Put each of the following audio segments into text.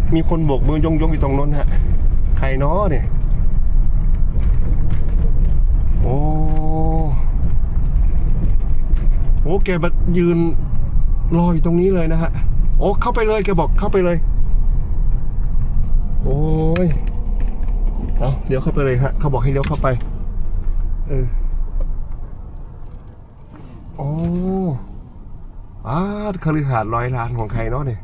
มีคนโบกมือยงอยู่ตรงนั้นฮะใครเนาะเนี่ยโอ้โหแกมายืนรออยู่ตรงนี้เลยนะฮะโอ้เข้าไปเลยแกบอกเข้าไปเลยโอ้ยเอาเดี๋ยวเข้าไปเลยฮะเขาบอกให้เลี้ยวเข้าไปโอ้คฤหาสน์100 ล้านของใครเนาะเนี่ย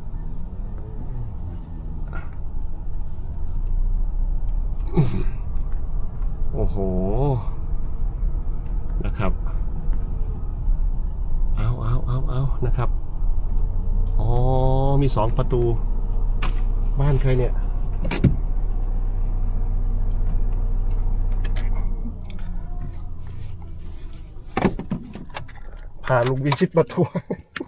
โอ้โหนะครับเอานะครับอ๋อมี2 ประตูบ้านใครเนี่ยพาลุงวิชิตมาทัวร์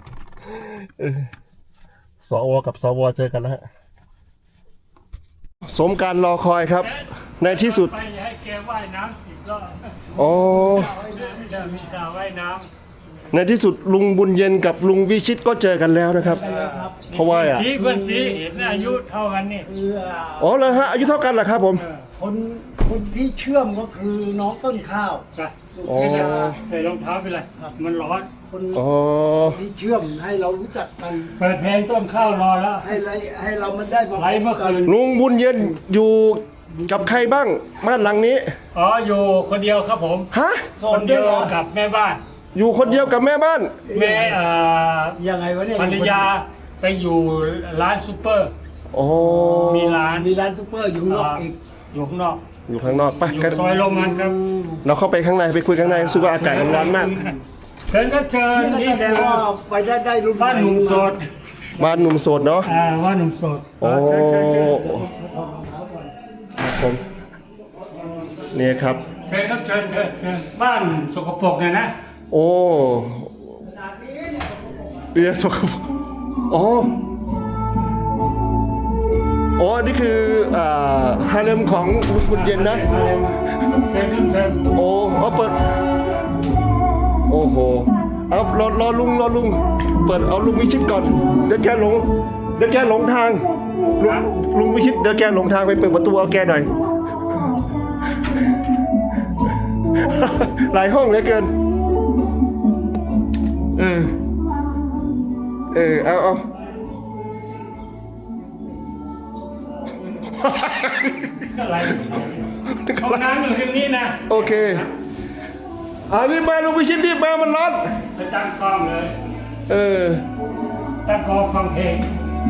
สวกับสวเจอกันแล้วฮะสมการรอคอยครับในที่สุดไปให้แกว่ายน้ำ10 รอบโอ้มีสระว่ายน้ในที่สุดลุงบุญเย็นกับลุงวิชิตก็เจอกันแล้วนะครับเพราะว่าำเพื่อนสีเห็นอายุเท่ากันนี่อ๋อเลยฮะอายุเท่ากันเหรอครับผมคนที่เชื่อมก็คือน้องต้นข้าวอ๋อใส่รองเท้าไปเลยมันร้อนคนที่เชื่อมให้เรารู้จักกันเปิดเพลงต้นข้าวรอแล้วให้เรามันได้ไลฟ์เมื่อคืนลุงบุญเย็นอยู่กับใครบ้างบ้านหลังนี้อ๋ออยู่คนเดียวครับผมฮะคนเดียวกับแม่บ้านอยู่คนเดียวกับแม่บ้านแม่ยังไงวะเนี่ยภรรยาไปอยู่ร้านซูเปอร์โอ้มีร้านซูเปอร์อยู่ข้างนอกอีกอยู่ข้างนอกอยู่ข้างนอกไปอยู่ซอยโรงงานครับเราเข้าไปข้างในไปคุยข้างในรู้สึกว่าอากาศร้อนมากเชิญครับเชิญนี่แต่ว่าไปได้รุ่นบ้านหนุ่มโสดบ้านหนุ่มโสดเนาะบ้านหนุ่มโสดโอ้ผมนี่ครับเชิญครับเชิญบ้านสกปรกเนี่ยนะโอ้เรียกสกปรกอ๋อนี่คือฮาเลมของลุงบุญเย็นนะเชิญโอ้เปิดโอ้โหเอารอลุงเปิดเอาลุงวิชิตก่อนเดี๋ยวแกหลงทางลุงวิชิตเดี๋ยวแกหลงทางไปเปิดประตูเอาแกหน่อยหลายห้องเหลือเกินเอาอะไรห้องน้ำอยู่ที่นี่นะโอเครีบมาลุงวิชิตรีบมามันร้อนไปตั้งกล้องเลยตั้งกล้องฟังเพลง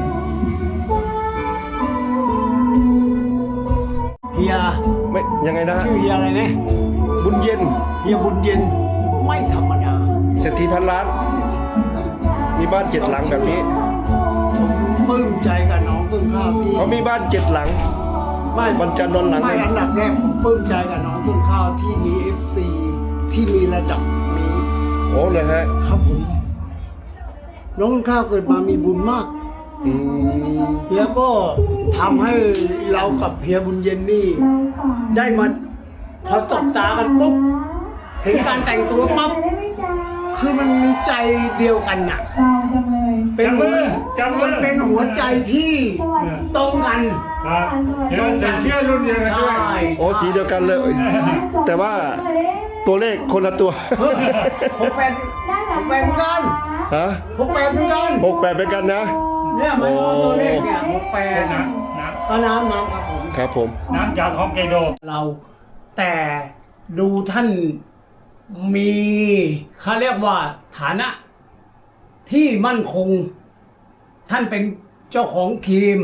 เฮียไม่ยังไงนะชื่อเฮียอะไรเนี่ยบุญเย็นเฮียบุญเย็นไม่ธรรมดาเศรษฐีพันล้านมีบ้าน7 หลังแบบนี้ปลื้มใจกับน้องต้นข้าวที่เขามีบ้าน7 หลังไม่บรรจันนนหลังไม่อันดับแรกผมปลื้มใจกับน้องต้นข้าวที่มี FC ที่มีระดับนี้โอ้เลยฮะครับผมน้องต้นข้าวเกิดมามีบุญมากแล้วก็ทำให้เรากับเฮียบุญเย็นนี่ได้มาพอตบตากันปุ๊บเห็นการแต่งตัวปั๊บคือมันมีใจเดียวกันน่ะเป็นมือมันเป็นหัวใจที่ตรงกันเดี๋ยวใส่เสื้อรุ่นเดียวกันด้วยโอ้สีเดียวกันเลยแต่ว่าตัวเลขคนละตัว 68กันฮะ 68กัน 68เป็นกันนะเนี่ยมันตัวเลขเนี่ย68 น้ำครับผมน้ำจากฮอกไกโดเราแต่ดูท่านมีเขาเรียกว่าฐานะที่มั่นคงท่านเป็นเจ้าของครีม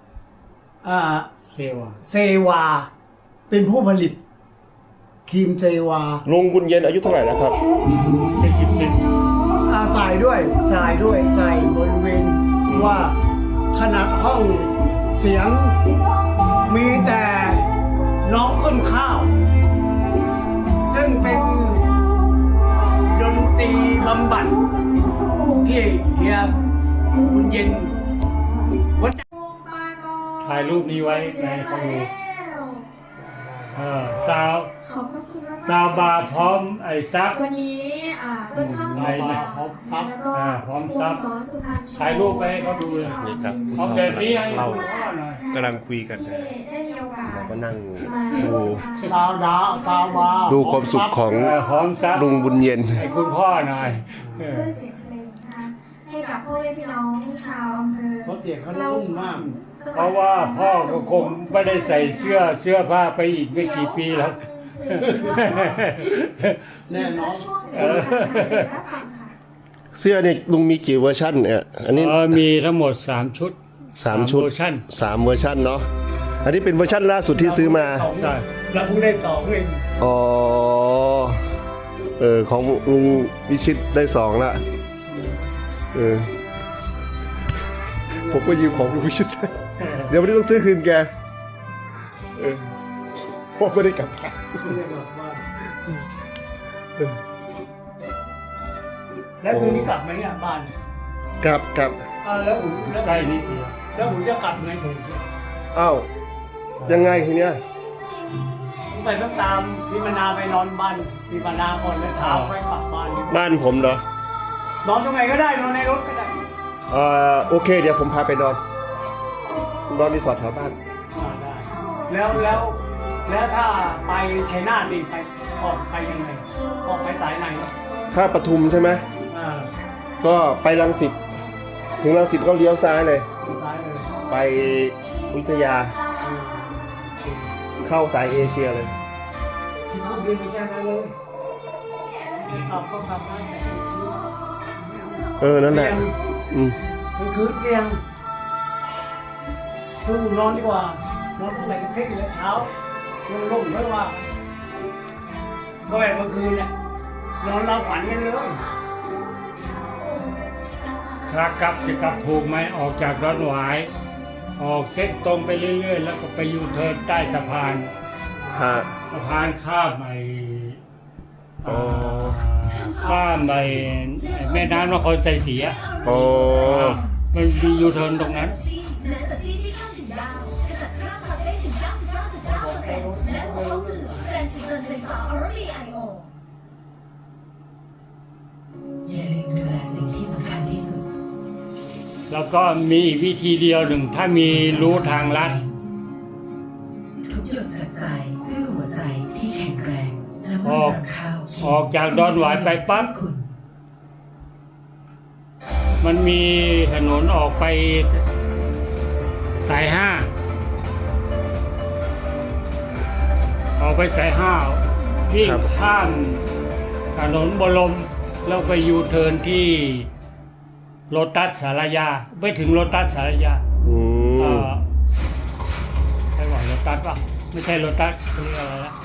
เซวาเป็นผู้ผลิตครีมเซวาลุงบุญเย็นอายุเท่าไหร่แล้วครับ 70ใส่บริเวณว่าขนาดห้องเสียงมีแต่น้องต้นข้าวซึ่งเป็นดนตรีบำบัดที่เฮียบุญเย็นถ่ายรูปนี้ไว้ในข้อมูลซาวบาร์พร้อมไอ้ซักวันนี้ต้นข้าวสวยแล้วก็พร้อมวซังบสอนสุพรรณถ่ายรูปไปให้เขาดูเลยนี่ครับเอาแบบนี้ให้เราดูพ่อหน่อยกำลังคุยกันที่ได้มีโอกาสก็นั่งมาดูชาวนาชาวมาดูความสุขของพร้อมซับลุงบุญเย็นให้คุณพ่อหน่อยด้วยเสียงเพลงนะคะให้กับพ่อแม่พี่น้องชาวอำเภอเพราะเสียงเขานุ่มมากเพราะว่าพ่อก็คงไม่ได้ใส่เสื้อผ้าไปอีกไม่กี่ปีแล้วแน่นอนช่วงหนึ่งค่ะเชิญรับฟังค่ะเสื้อเนี่ยลุงมีกี่เวอร์ชันเนี่ยอันนี้มีทั้งหมด3 ชุด 3 ชุดเวอร์ชัน 3 เวอร์ชันเนาะอันนี้เป็นเวอร์ชันล่าสุดที่ซื้อมาใช่แล้วเพิ่งได้สองเองอ๋อของลุงวิชิตได้2ละผมก็ยืมของลุงวิชิต เดี๋ยววันนี้ต้องซื้อคืนแกเพราะไม่ได้กลับบ้านแล้วคืนนี้กลับไหมเนี่ยบ้านกลับแล้วอุ่นใกล้นิดเดียวแล้วอุ่นจะกลับไงผมอ้าวยังไงทีเนี้ยไปต้องตามพี่มนาไปนอนบ้านพี่มนาก่อนแล้วเช้าไปกลับบ้านบ้านผมเหรอนอนตรงไหนก็ได้นอนในรถก็ได้โอเค เดี๋ยวผมพาไปนอนรีสอร์ทแถวบ้านได้แล้วถ้าไปชัยนาทดีไปออกไปยังไงออกไปสายไหนถ้าปทุมใช่ไหม ก็ไปรังสิตถึงรังสิตก็เลี้ยวซ้ายเลยซ้ายเลยไปวิทยาเข้าสายเอเชียเลยที่พูดเรียนแค่นั้นเลยกลับก็กลับได้นั่นแหละอืมมันคือเตียงสู้นอนดีกว่านอนใส่กระเพ็กแล้วเช้าลงไม่ว่าก็แบบเมื่อคืนเนี่ยนอนเราฝันกันเลยขากลับจะกลับถูกไหมออกจากดอนหวาย ออกเส้นตรงไปเรื่อยๆ แล้วก็ไปยูเทิร์นใต้สะพานฮะสะพานข้ามข้ามแม่น้ำนครชัยศรีอะโอ้มันมียูเทิร์นตรงนั้นอย่าลืมดูแลสิ่งที่สำคัญที่สุดแล้วก็มีอีกวิธีเดียวหนึ่งถ้ามีรู้ทางลัดทุกหยดจากใจด้วยหัวใจที่แข็งแรงและไม่รังข้าวออกจากดอนหวายไปปั๊บคุณมันมีถนนออกไปสาย 5 ออกไปสาย 5 วิ่งข้ามถนนบรมแล้วไปยูเทิร์นที่โลตัสสารยาไปถึงโลตัสสารยาอืมใช่ว่าโลตัสป่ะไม่ใช่โลตัสเขาเรียกอะไรนะ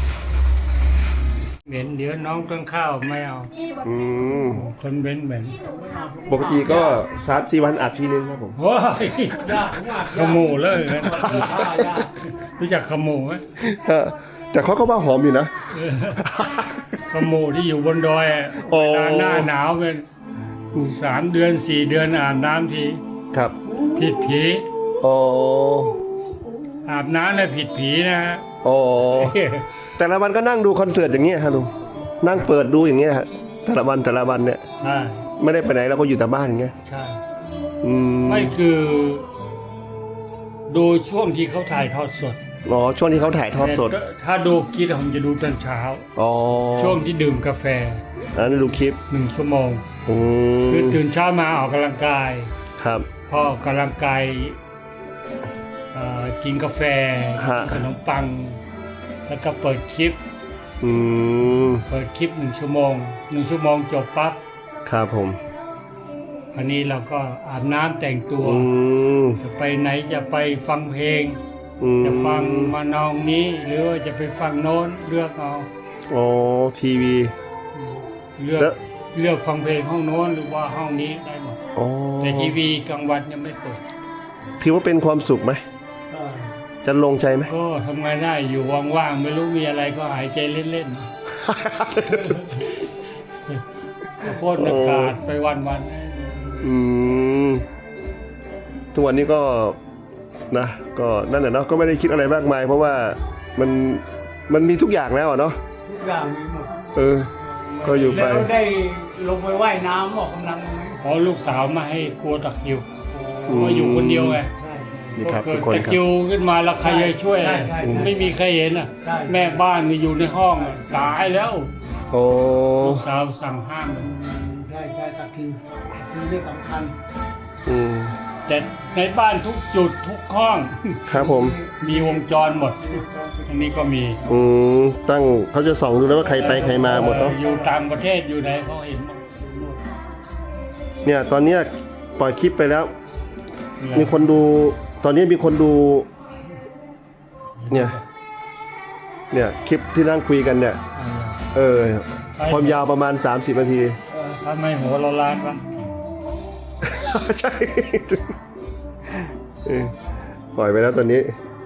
เหม็นเดี๋ยวน้องต้นข้าวไม่เอามีบทอืเพลงมคนเหม็นเหม็นที่หนูทำปกติก็3-4 วันอัดทีนึงครับผมว้ายยากมากขโมูเลยนะยากรู้จักขโมูไหมแต่เขาก็ว่าหอมอยู่นะขโมูที่อยู่บนดอยอะโอ้เวลาหน้าหนาวเป็น3 เดือน 4 เดือนอาบน้ำทีครับผิดผีโอ้อาบน้ำแล้วผิดผีนะฮะโอ้แต่ละวันก็นั่งดูคอนเสิร์ตอย่างเงี้ยฮะลุงนั่งเปิดดูอย่างเงี้ยฮะแต่ละวันเนี่ยใช่ไม่ได้ไปไหนเราก็อยู่แต่บ้านอย่างเงี้ยใช่อืมไม่คือดูช่วงที่เขาถ่ายทอดสดอ๋อช่วงที่เขาถ่ายทอดสดแต่ถ้าดูคิดผมจะดูตอนเช้าอ๋อช่วงที่ดื่มกาแฟอันนี้ดูคลิป 1 ชั่วโมงอืมคือตื่นเช้ามาออกกำลังกายครับพอออกกำลังกายกินกาแฟฮะขนมปัง แล้วก็เปิดคลิปอืม 1 ชั่วโมง 1 ชั่วโมงจบปั๊บครับผมอันนี้เราก็อาบน้ำแต่งตัวอืมจะไปไหนจะไปฟังเพลงอืมจะฟังมานองนี้ หรือว่าจะไปฟังโน้นเลือกเอาอ๋อทีวีเลือกแล้วเลือกฟังเพลงห้องโน้นหรือว่าห้องนี้ได้หมดอ๋อแต่ทีวีกลางวันยังไม่เปิดถือว่าเป็นความสุขไหมจะลงใจไหมก็ทำไงได้อยู่ว่างๆไม่รู้มีอะไรก็หายใจเล่นๆก็พ่นอากาศไปวันๆอืมทุกวันนี้ก็นะก็นั่นแหละเนาะก็ไม่ได้คิดอะไรมากมาย เพราะว่ามันมีทุกอย่างแล้วอะเนาะทุกอย่างมีหมดเออก็อยู่ไปแล้วได้ลงไปว่ายน้ำออกกำลังไหมขอลูกสาวมาให้กลัวตะคริวมาอยู่คนเดียวไงใช่นี่ครับเกิทุดกคนตะครัคริบวขึ้นมาแล้วใครจะช่วยใช่ใช่ไม่มีใครเห็นอ่ะใช่แม่บ้านก็อยู่ในห้องอะตายแล้วโอ้ลูกสาวสั่งห้ามใช่ใช่ตะคิวคือเรื่องสำคัญอืมแต่ในบ้านทุกจุดทุกห้องครับผมมีวงจรหมด อันนี้ก็มีอืมตั้งเขาจะส่องดูแล้วว่าใครไปใครมาหมดเนาะอยู่ต่างประเทศอยู่ไหนเขาเห็นหมดเนี่ยตอนเนี้ยปล่อยคลิปไปแล้ว มีคนดู ตอนนี้มีคนดู เนี่ยคลิปที่นั่งคุยกันเนี่ย ความยาวประมาณ 30 นาทีทำไมหัวเราล้านวะใช่ปล่อยไปแล้วตอนนี้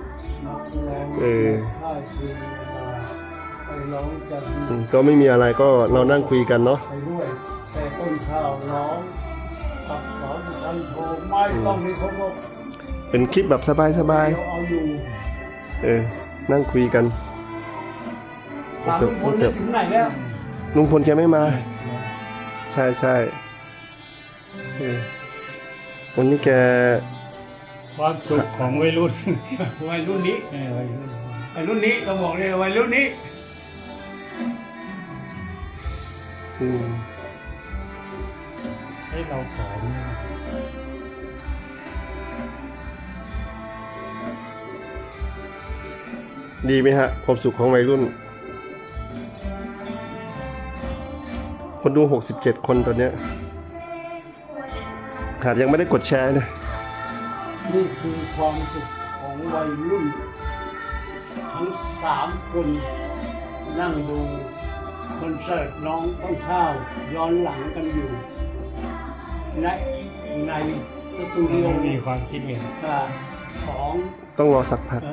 ใช่คือไปร้องจะก็ไม่มีอะไรก็เรานั่งคุยกันเนาะไปด้วยแต่ต้นข้าวร้องตักสอนทันโชว์ไม่ต้องมีคนบอกเป็นคลิปแบบสบายเดี๋ยวเอาอยู่ๆนั่งคุยกันถามลุงพลถึงไหนแล้วลุงพลแกไม่มา ใช่ใช่วันนี้แกความสุขของวัยรุ่นวัยรุ่นนี้วัยรุ่นวัยรุ่นนี้ต้องบอกเลยวัยรุ่นนี้อืมให้เราผอมนะดีไหมฮะ ความสุขของวัยรุ่น คนดู 67 คนตอนเนี้ยขาดยังไม่ได้กดแชร์นะนี่คือความสุขของวัยรุ่น ทั้ง3 คนนั่งดูคอนเสิร์ตน้องต้นข้าวย้อนหลังกันอยู่ในสตูดิโอเรามีความคิดเห็นของต้องรอสักพัก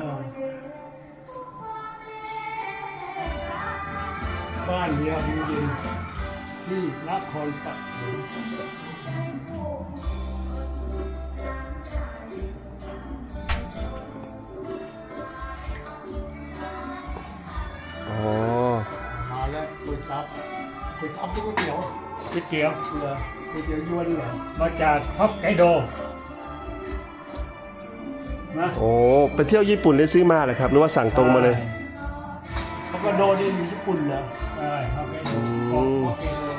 บ้านเดียวจริงๆที่นครปฐมอ๋อมาแล้วก๋วยจั๊บก๋วยจั๊บก๋วยเตี๋ยวก๋วยเตี๋ยวเหรอก๋วยเตี๋ยวยวนเหรอมาจากฮอกไกโดนะโอ้ไปเที่ยวญี่ปุ่นได้ซื้อมาเลยครับหรือว่าสั่งตรงมาเลยฮอกไกโดนี่มีญี่ปุ่นเหรอใช่ฮอกไกโดฮอกไกโด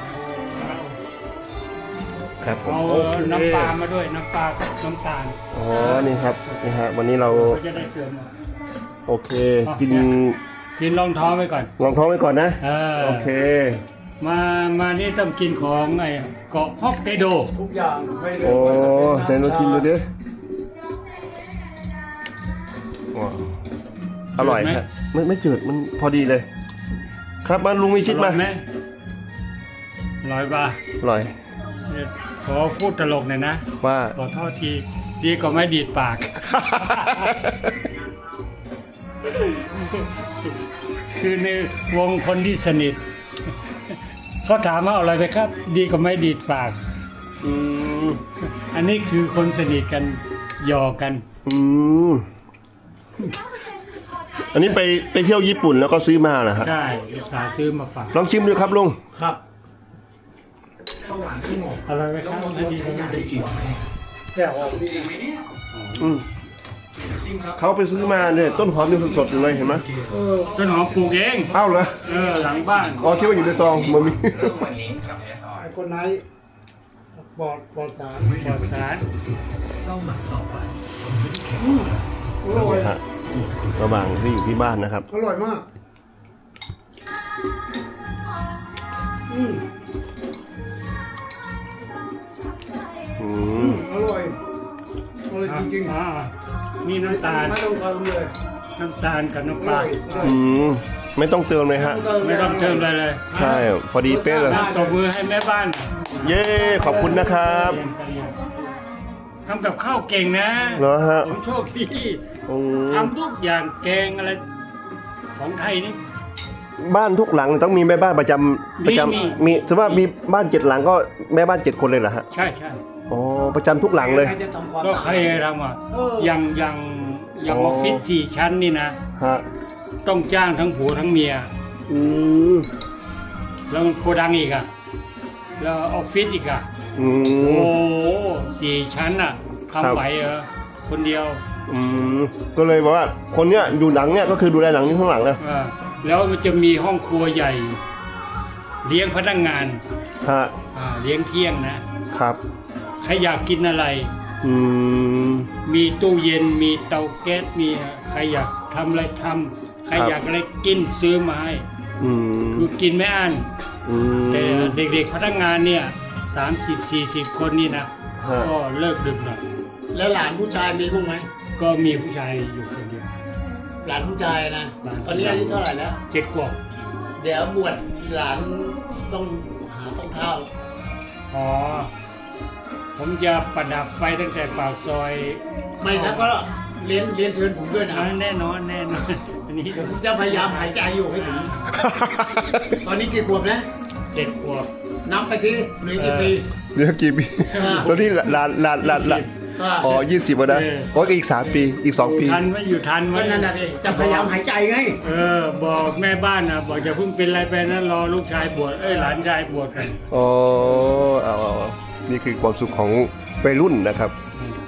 ครับผมเอาโอเคน้ำปลามาด้วยน้ำปลากับน้ำตาลอ๋อ นี่ครับ นี่ฮะ วันนี้เราก็จะได้เติมมาโอเค กินกินรองท้องไว้ก่อนลองท้องไว้ก่อนนะ โอเคมานี่ต้องกินของไอ้เกาะฮอกไกโดทุกอย่างไม่ได้โอ้แต่เราชิมดูดิว้าวอร่อยครับไม่จืด มันพอดีเลย ครับมาลุงวิชิตมาอร่อยไหมอร่อยป่ะอร่อยขอพูดตลกหน่อยนะว่าขอโทษทีดีก็ไม่ดีดปาก คือในวงคนที่สนิท เขาถามว่าเอาอะไรไปครับ ดีก็ไม่ดีดปากอืมอันนี้คือคนสนิทกันหยอกกันอืม อันนี้ไปเที่ยวญี่ปุ่นแล้วก็ซื้อมาเหรอครับใช่อุตส่าห์ซื้อมาฝากลองชิมดูครับลุงครับอะไรไหมครับอันนี้ก็ไม่ดีแต่ว่านี่อืมเขาไปซื้อมาเนี่ยต้นหอมยังสดๆอยู่เลยเห็นไหมต้นหอมปลูกเองอ้าวเหรอหลังบ้านอ๋อคิดว่าอยู่ในซองมันมีไอ้คนไหนปอดสารปลอดสารอร่อยฮะระหว่างที่อยู่ที่บ้านนะครับอร่อยมากอืมอืมอร่อยอร่อยจริงนี่น้ำตาลๆไม่ต้องเติมเลยน้ำตาลกับน้ำอปลาร่อยอืมไม่ต้องเติมเลยฮะไม่ต้องเติมอะไรเลยใช่ พอดีเป๊ะเลยตบมือให้แม่บ้านเย้ ขอบคุณนะครับทำกับข้าวเก่งนะเหรอฮะผมโชคดีอืมทำทุกอย่างแกงอะไร ของไทยนี่บ้านทุกหลังต้องมีแม่บ้านประจำมีมีถือว่ามีบ้าน7 หลังก็แม่บ้าน7 คนเลยเหรอฮะใช่ใช่อ๋อประจำทุกหลังเลยใครจะทำความก็ใครทำอ่ะเอออย่างออ๋ออฟฟิศ4 ชั้นนี่นะฮะต้องจ้างทั้งผัวทั้งเมียอืมแล้วโกดังอีกอ่ะแล้วออฟฟิศอีกอ่ะอืโอ้มโห4 ชั้นอ่ะครับทำไหวเหรอคนเดียวอืมก็เลยบอกว่าคนเนี้ยดูหนังเนี่ยก็คือดูแลหนังที่ข้างหลังนะแล้วมันจะมีห้องครัวใหญ่ เลี้ยงพนักงานฮะเลี้ยงเที่ยงนะครับ ใครอยากกินอะไรอืมมีตู้เย็นมีเตาแก๊สมีใครอยากทำอะไรทำใครครับอยากอะไรกินซื้อมาให้อืมคือกินไม่อั้นอืมแต่เด็กๆพนักงานเนี่ย30-40 คนนี่นะฮะก็เลิกดึกหน่อยแล้วหลานผู้ชายมีบ้างไหมก็มีผู้ชายอยู่คนเดียวหลานผู้ชายนะหลานตอนนี้อายุเท่าไหร่แล้ว 7 ขวบเดี๋ยวบวชหลานต้องหาต้องเท้าอ๋อผมจะประดับไฟตั้งแต่ปากซอยไม่แล้วก็เรียนเชิญผมด้วยนะแน่นอนอันนี้เดี๋ยวผมจะพยายามหายใจอยู่ให้ถึงตอนนี้กี่ขวบนะ 7 ขวบนับไปที่เหลือกี่ปีเดี๋ยวกี่ปีตอนนี้หลานอ๋อ20แล้วนะโอ้ยอีก3 ปีอีก2 ปีอยู่ทันไหมก็นั่นน่ะดิจะพยายามหายใจไงบอกแม่บ้านนะบอกจะเพิ่งเป็นอะไรไปนะรอลูกชายบวชหลานชายบวชกันอ๋อเอานี่คือความสุขของวัยรุ่นนะครับ